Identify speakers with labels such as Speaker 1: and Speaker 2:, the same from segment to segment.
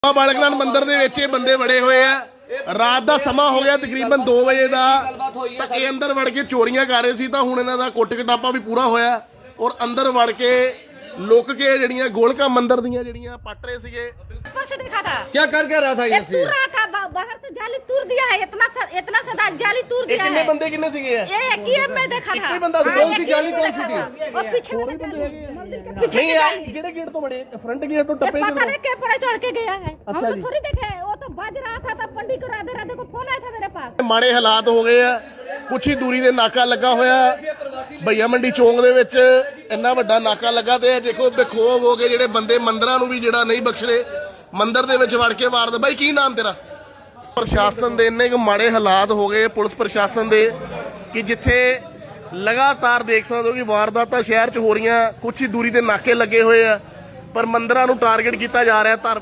Speaker 1: ਬਾਲਕ ਨਾਥ ਮੰਦਿਰ ਦੇ ਵਿੱਚ ਇਹ ਬੰਦੇ ਵੜੇ ਹੋਏ ਆ। ਰਾਤ ਦਾ ਸਮਾਂ ਹੋ ਗਿਆ ਤਕਰੀਬਨ 2 ਵਜੇ ਦਾ, ਤਾਂ ਇਹ ਅੰਦਰ ਵੜ ਕੇ ਚੋਰੀਆਂ ਕਰ ਰਹੇ ਸੀ। ਤਾਂ ਹੁਣ ਇਹਨਾਂ ਦਾ ਕੁੱਟ ਕਟਾਪਾ ਵੀ ਪੂਰਾ ਹੋਇਆ ਔਰ ਅੰਦਰ ਵੜ ਕੇ ਲੁੱਕ ਕੇ ਜਿਹੜੀਆਂ ਗੋਲਕਾਂ ਮੰਦਿਰ ਦੀਆਂ ਜਿਹੜੀਆਂ ਪੱਟ ਰਹੇ ਸੀਗੇ।
Speaker 2: से देखा था
Speaker 3: क्या कर क्या रहा था ये
Speaker 2: तूर रहा था बाहर से जाली तूर दिया है, इतना सदा जाली तूर दिया है।
Speaker 1: बंदे कितने सीगे
Speaker 2: ये एक ही मैं देखा था।
Speaker 1: बंदा
Speaker 3: कौन सी जाली कौन सी थी?
Speaker 2: और पीछे वाली जाली, मंदिर के पीछे की जाली।
Speaker 1: किहड़े गेट तो बड़े फ्रंट गेट तो टप्पे
Speaker 2: पता नहीं के पड़े चढ़ के गया है, हम
Speaker 1: अच्छा
Speaker 2: तो थोड़ी देखे। वो तो बज रहा था तब पंडित को राधे राधे को फोन आया था मेरे पास।
Speaker 1: ਮਾੜੇ ਹਾਲਾਤ ਹੋ ਗਏ ਆ। ਕੁਛ ਹੀ ਦੂਰੀ ਦੇ ਨਾਕਾ ਲੱਗਾ ਹੋਇਆ ਭਈਆ ਮੰਡੀ ਚੌਂਕ ਦੇ ਵਿੱਚ। ਇੰਨਾ ਵੱਡਾ ਨਾਕਾ ਲੱਗਾ ਤੇ ਦੇਖੋ ਬੇਖੌਫ ਹੋ ਗਏ ਜਿਹੜੇ ਬੰਦੇ ਮੰਦਰਾਂ ਨੂੰ ਵੀ ਜਿਹੜਾ ਨਹੀਂ ਬਖਸ਼ਦੇ, ਮੰਦਿਰ ਦੇ ਵਿੱਚ ਵੜ ਕੇ ਵਾਰਦੇ। ਬਾਈ ਕੀ ਨਾਮ ਤੇਰਾ? ਪ੍ਰਸ਼ਾਸਨ ਦੇ ਇੰਨੇ ਕੁ ਮਾੜੇ ਹਾਲਾਤ ਹੋ ਗਏ ਪੁਲਿਸ ਪ੍ਰਸ਼ਾਸਨ ਦੇ ਕਿ ਜਿੱਥੇ ਲਗਾਤਾਰ ਦੇਖ ਸਕਦੇ ਹੋ ਕਿ ਵਾਰਦਾਤਾਂ ਸ਼ਹਿਰ 'ਚ ਹੋ ਰਹੀਆਂ। ਕੁਛ ਹੀ ਦੂਰੀ ਦੇ ਨਾਕੇ ਲੱਗੇ ਹੋਏ ਆ ਪਰ ਮੰਦਿਰਾਂ ਨੂੰ ਟਾਰਗੇਟ ਕੀਤਾ ਜਾ ਰਿਹਾ।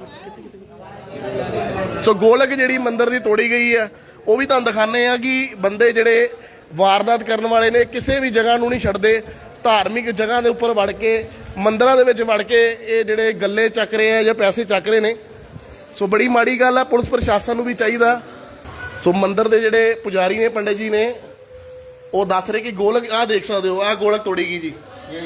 Speaker 1: ਸੋ ਗੋਲਕ ਜਿਹੜੀ ਮੰਦਿਰ ਦੀ ਤੋੜੀ ਗਈ ਆ ਉਹ ਵੀ ਤੁਹਾਨੂੰ ਦਿਖਾਣੇ ਆ ਕਿ ਬੰਦੇ ਜਿਹੜੇ ਵਾਰਦਾਤ ਕਰਨ ਵਾਲੇ ਨੇ ਕਿਸੇ ਵੀ ਜਗ੍ਹਾ ਨੂੰ ਨਹੀਂ ਛੱਡਦੇ। ਧਾਰਮਿਕ ਜਗ੍ਹਾ ਦੇ ਉੱਪਰ ਵੜ ਕੇ ਮੰਦਿਰਾਂ ਦੇ ਵਿੱਚ ਵੜ ਕੇ ਇਹ ਜਿਹੜੇ ਗੱਲੇ ਚੱਕ ਰਹੇ ਆ ਜਾਂ ਪੈਸੇ ਚੱਕ ਰਹੇ ਨੇ। ਸੋ ਬੜੀ ਮਾੜੀ ਗੱਲ ਆ। ਪੁਲਿਸ ਪ੍ਰਸ਼ਾਸਨ ਨੂੰ ਵੀ ਚਾਹੀਦਾ। ਸੋ ਮੰਦਿਰ ਦੇ ਜਿਹੜੇ ਪੁਜਾਰੀ ਨੇ, ਪੰਡਿਤ ਜੀ ਨੇ, ਉਹ ਦੱਸ ਰਹੇ ਕਿ ਗੋਲਕ ਆਹ ਦੇਖ ਸਕਦੇ ਹੋ, ਆਹ ਗੋਲਕ ਤੋੜੀ ਗਈ ਜੀ।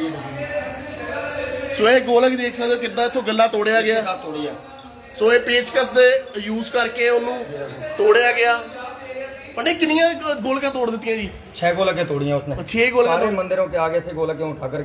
Speaker 1: ਸੋ ਇਹ ਗੋਲਕ ਦੇਖ ਸਕਦੇ ਹੋ ਕਿੱਦਾਂ ਇੱਥੋਂ ਗੱਲਾ ਤੋੜਿਆ ਗਿਆ। ਸੋ ਇਹ ਪੇਚਕਸ ਦੇ ਯੂਜ਼ ਕਰਕੇ ਉਹਨੂੰ ਤੋੜਿਆ ਗਿਆ। पंडित कितनी गोलका तोड़ दी जी?
Speaker 3: 6 गोलकें तोड़ी हैं उसने।
Speaker 1: 6 गोलका
Speaker 3: सारे मंदिरों के आगे से गोलकें उठाकर